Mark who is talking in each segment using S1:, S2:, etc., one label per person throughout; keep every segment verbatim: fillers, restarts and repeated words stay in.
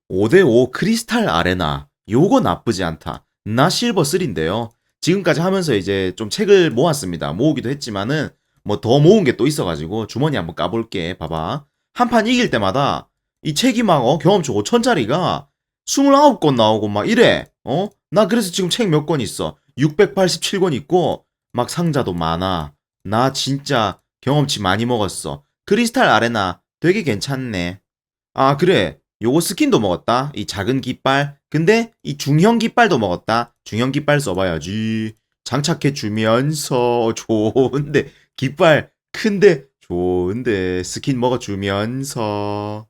S1: 오 대 오 크리스탈 아레나. 요거 나쁘지 않다. 나 실버 삼인데요. 지금까지 하면서 이제 좀 책을 모았습니다. 모으기도 했지만은 뭐 더 모은 게 또 있어가지고 주머니 한번 까볼게. 봐봐. 한 판 이길 때마다 이 책이 막 어, 경험치 오천짜리가 이십구 권 나오고 막 이래. 어? 나 그래서 지금 책 몇 권 있어. 육백팔십칠 권 있고 막 상자도 많아. 나 진짜 경험치 많이 먹었어. 크리스탈 아레나 되게 괜찮네. 아, 그래. 요거 스킨도 먹었다. 이 작은 깃발. 근데 이 중형 깃발도 먹었다. 중형 깃발 써봐야지. 장착해 주면서 좋은데 깃발 큰데 좋은데 스킨 먹어주면서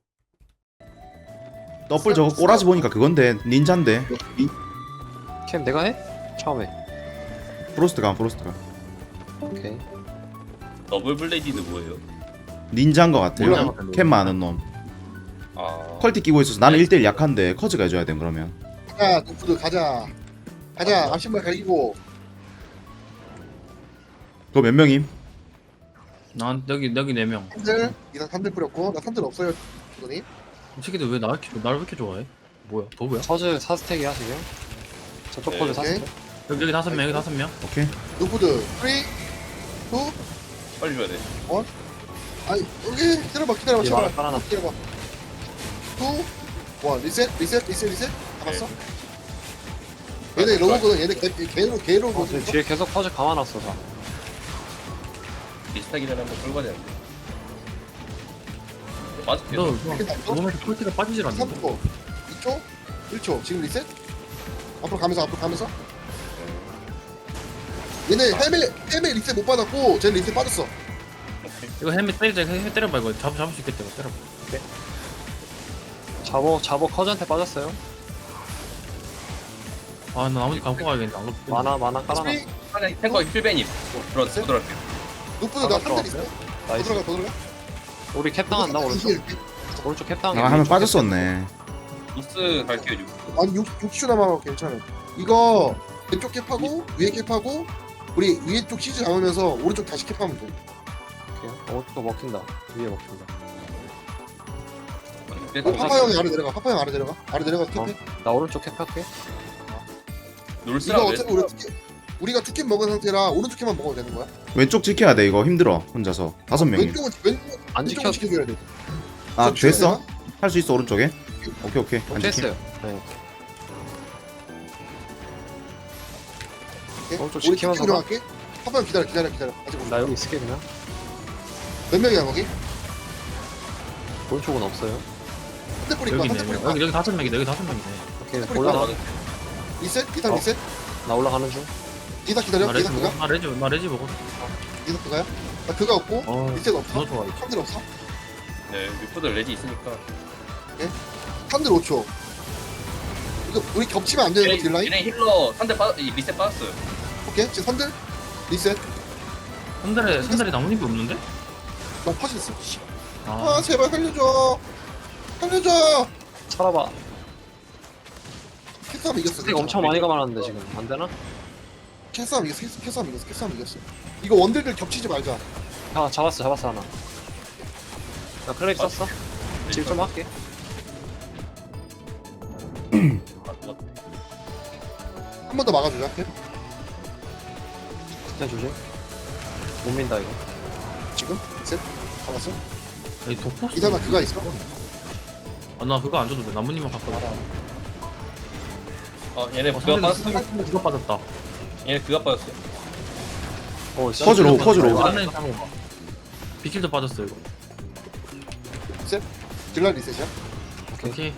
S1: 더블 저거 꼬라지 보니까 그건데 닌자인데.
S2: 캠 내가 해? 처음에.
S1: 프로스트가 프로스트가
S2: 오케이.
S3: 더블 블레이디는 뭐예요?
S1: 닌자인 것 같아요.
S2: 몰라요.
S1: 캠 많은 놈.
S3: 아
S1: 퀄티 끼고 있어서 나는 일 대 일 약한데 커즈가 해줘야 돼 그러면.
S4: 가자 노프드 가자 가자 앞신발 가리고
S1: 그거 몇 명임?
S5: 난 여기 여기 네 명.
S4: 산들 이상 산들 뿌렸고 나 산들 없어요 주더니
S5: 이 새끼들 왜 나 이렇게 나를 왜 이렇게 좋아해? 뭐야? 도구야?
S2: 퍼즐 사 스택이야 지금. 저쪽
S3: 네,
S2: 퍼즐 사
S4: 오케이.
S2: 스택.
S5: 여기 여기 다섯 명 여기 다섯 명.
S1: 오케이.
S4: 노프드 삼, 이,
S3: 빨리 줘야 돼.
S4: 아니 여기 기다려봐 기다려봐
S2: 이
S4: 제발
S2: 말 깔아놨.
S4: 기다려봐 이, 일 리셋 리셋 리셋 리셋 잡았어? 얘네 로고거든 얘네 개, 개로 개로
S2: 어,
S4: 거든
S2: 근데 뒤에 계속 퍼즐 감아놨어 다.
S3: 비슷하기 전에 한번 끌고 가야 되는데. 맞을게.
S5: 너
S4: 이렇게 났어?
S5: 몸에서 퀄티가 빠지질 않는데.
S4: 삼 초 이 초 일 초 지금 리셋 앞으로 가면서 앞으로 가면서 얘네 헬멧 헬멧 리셋 못 받았고 쟤는 리셋 빠졌어
S5: 이거 헬멧 때리자. 헬멧 때려봐 이거. 잡 잡을 수 있겠다 이거 때려봐.
S2: 자보 자보 커즈한테 빠졌어요.
S5: 아나 나머지 갖고 가야겠다. 안 그러면
S2: 만화 만화 깔아놨어.
S4: 삼, 이,
S3: 하나 탱거 힐베님. 들어 들어갈게.
S4: 노프드 나
S2: 아,
S4: 산들 있어
S2: 들어갔어요?
S4: 더
S2: 나이스.
S4: 들어가 더 들어가
S2: 우리 캡 당한다 오른쪽. 오른쪽 캡 당해.
S1: 아 하면 빠졌었네.
S3: 노스 갈게요 지금.
S4: 아니 육 초 남아서 괜찮아 이거 왼쪽 캡하고 위에 캡하고 우리 위에 쪽 시즈 잡으면서 오른쪽 다시 캡하면 돼
S2: 오케이. 오른쪽 먹힌다. 위에 먹힌다.
S4: 어, 파파 형이 아래 내려가 파파 형 아래 내려가 아래 내려가 캡해
S2: 어? 나 오른쪽 캡 할게.
S3: 놀스라
S4: 이거
S3: 왜?
S4: 어차피 우리 투캡, 우리가 투캡 먹은 상태라 오른쪽 캡만 먹어도 되는 거야
S1: 왼쪽 지켜야 돼 이거 힘들어 혼자서 다섯 명이.
S4: 왼쪽은 왼쪽
S2: 안
S4: 왼쪽은
S2: 지켜.
S4: 지켜줘야 돼
S1: 아
S4: 저
S1: 됐어?
S4: 지켜야
S1: 할 수 있어 오른쪽에? 오케이 오케이. 안
S2: 오케이
S1: 지킴.
S2: 했어요. 네.
S4: 되나?
S2: 오른쪽
S4: 우리
S2: 지키면서
S4: 투캡 들어갈게 파파 형 기다려 기다려 기다려 아직
S2: 나 여기 있을게 그냥.
S4: 몇 명이야 거기?
S2: 오른쪽은 없어요.
S4: 한대 뿌릴까
S5: 여기
S4: 한대
S5: 네 명.
S4: 뿌릴까
S5: 여기 여기 다섯 명이다. 여기 다섯 명이네.
S2: 오케이
S4: 뿌릴까?
S2: 올라가.
S4: 리셋? 이상
S2: 어.
S4: 리셋?
S2: 나 올라가는 중.
S4: 이사 기다려
S5: 나 레지
S4: 이사
S5: 먹어.
S4: 그가?
S5: 나 레지 나 레지 먹어.
S4: 이사 그가요? 나 그가 없고
S5: 어.
S4: 리셋 없어
S5: 너 좋아.
S4: 산들 없어
S3: 네 유포들 레지 있으니까.
S4: 산들 오 초 이거 우리 겹치면 안 되는 거
S3: 얘네
S4: 딜라인?
S3: 얘네 힐러 한대 빠 이, 리셋 빠졌어요.
S4: 오케이 지금 산들 리셋
S5: 한달에 한 달에 나뭇잎이 없는데?
S4: 나 퍼졌어
S5: 아.
S4: 아 제발 살려줘 살려줘
S2: 살아봐.
S4: 캐싸움 이겼어
S2: 스택 엄청 많이 감아놨는데 지금 안 되나?
S4: 캐싸움 이겼어 캐- 캐싸움 이겼어 캐싸움 이겼어 이거 원딜들 겹치지 말자
S2: 아 잡았어 잡았어 하나. 나 클레이 썼어. 질 좀 할게.
S4: 한 번 더 막아주자 캐.
S2: 스택 조심. 못 민다 이거.
S4: 지금 셋 잡았어
S5: 이 독포스.
S4: 이사나 그가 있어
S5: 아나 그거 안 줘도 돼. 나뭇잎만 갖고 가.
S3: 어 얘네
S5: 어,
S3: 그가
S5: 상대
S3: 빠졌어.
S5: 상대 그거 빠졌다.
S3: 얘네 그가 빠졌어요.
S2: 어 씨.
S1: 퍼즐 오, 퍼즐 오.
S5: 안에 한번 봐. 비킬도 빠졌어 이거.
S4: 딜라 리셋이야
S2: 오케이.
S5: 오케이.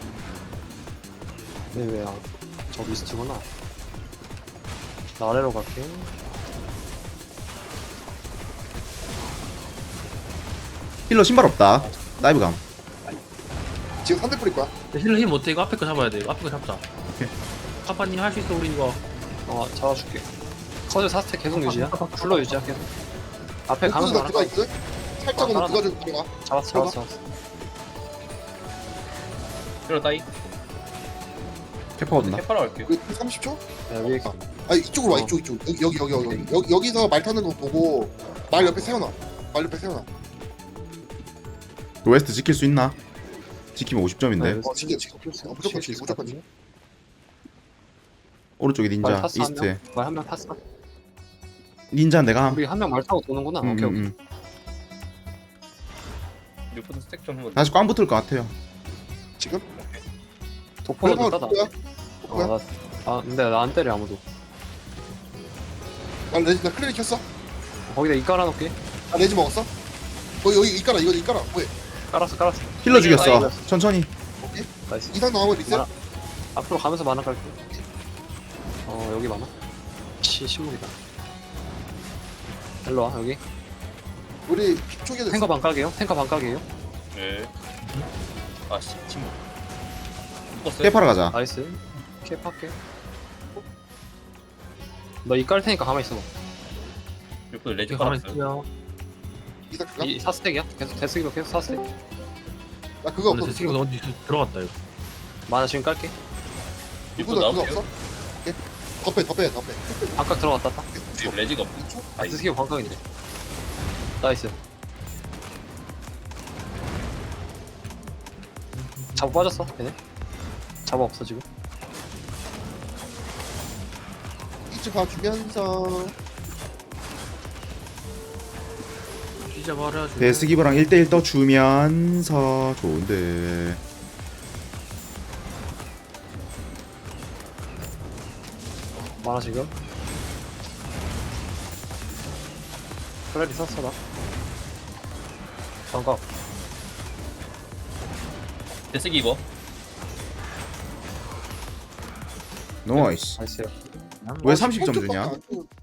S2: 네 왜야? 저 미스트구나. 나 아래로 갈게.
S1: 힐러 신발 없다. 다이브 감.
S4: 지금 산들 뿌릴 거야
S5: 힐러 힘 못해. 이거 앞에 거 잡아야 돼. 이거 앞에 거 잡자.
S1: 오케이.
S5: 카파님 할 수 있어 우리 이거.
S2: 어 잡아줄게. 커즈 사 스택 계속 유지야. 쿨러 유지야 계속. 앞에
S4: 노프드
S2: 가면서
S4: 나
S2: 하나
S4: 그가 있거든 살짝은
S2: 아,
S4: 그가 좀 들어가
S2: 잡았어 잡았어 잡았어.
S3: 힐러 따이.
S1: 캐퍼 얻나?
S3: 캐파라 갈게요.
S4: 우리 삼십 초?
S2: 야 위에
S4: 아 이쪽으로 와
S2: 어.
S4: 이쪽 이쪽 여기 여기 여기 여기 여기 여기서 말 타는 거 보고 말 옆에 세워놔 말 옆에 세워놔
S1: 그 웨스트 지킬 수 있나? 지키면 오십 점인데.
S2: 네,
S4: 어 진짜 지금 어, 무조건 지금 무조건 지금.
S1: 오른쪽에
S2: 말
S1: 닌자
S2: 탔어 한
S1: 이스트에.
S2: 명? 말 한 명 탔어?
S1: 닌자 내가 함.
S2: 우리 한 명 말 타고 도는구나.
S1: 음,
S2: 오케이
S1: 음,
S2: 오케이.
S1: 음.
S3: 뮤프드 스택 좀 한번.
S1: 다시 꽝 붙을 것 같아요.
S4: 지금?
S2: 도포는
S4: 그래서
S2: 따다.
S4: 누구야?
S2: 어,
S4: 누구야?
S2: 나, 아 근데 나 안 때려 아무도.
S4: 나 레지 나 클리닉 켰어.
S2: 거기다 이 깔아놓게.
S4: 나 레지 먹었어. 어 여기 이 깔아 이거 이 깔아. 뭐해?
S2: 깔았어 깔았어.
S1: 힐러
S3: 이게
S1: 죽였어.
S2: 아이고.
S1: 천천히.
S2: 나이스.
S4: 이상 나오면 리셋.
S2: 많아. 앞으로 가면서 만화 깔게. 어 여기 많아. 시 신문이다. 일로 와 여기.
S4: 우리 초기에 됐어.
S2: 탱커 반각이에요. 탱커 반각이에요.
S3: 네. 아씨 침묵. 묶었어요.
S1: 페파라 가자.
S2: 나이스. 캡할게. 너 이 깔 테니까 가만히 있어봐.
S3: 뮤프드 레지
S5: 이거 가만히
S3: 깔았어요.
S5: 있으면
S4: 이상 그가?
S2: 이 사스택이야? 계속 데스기로 계속 사스택.
S4: 나 그거
S5: 원래
S4: 없어.
S5: 제 친구 어디 들어갔다 이거.
S2: 만화 지금 깔게.
S3: 뮤프드
S4: 누구도 그거
S3: 나올게요.
S4: 없어? 오케이. 더 빼, 더 빼, 더 빼.
S2: 반각 들어갔다 딱.
S3: 지금 레지가 없어.
S2: 아 데스기 반각인데. 나이스. 잡아 빠졌어 걔네. 잡아 없어 지금.
S4: 이쪽 봐주면서
S5: 피자 말아.
S1: 데스기버랑 일 대일 떠주면서 좋은데.
S2: 만화 지금. 플레리 썼어 나. 반각.
S3: 데스기 입어.
S1: 나이스.
S2: 나이스.
S1: 왜 삼십 점
S4: 오른쪽
S1: 주냐?
S4: 밖에 안 줘.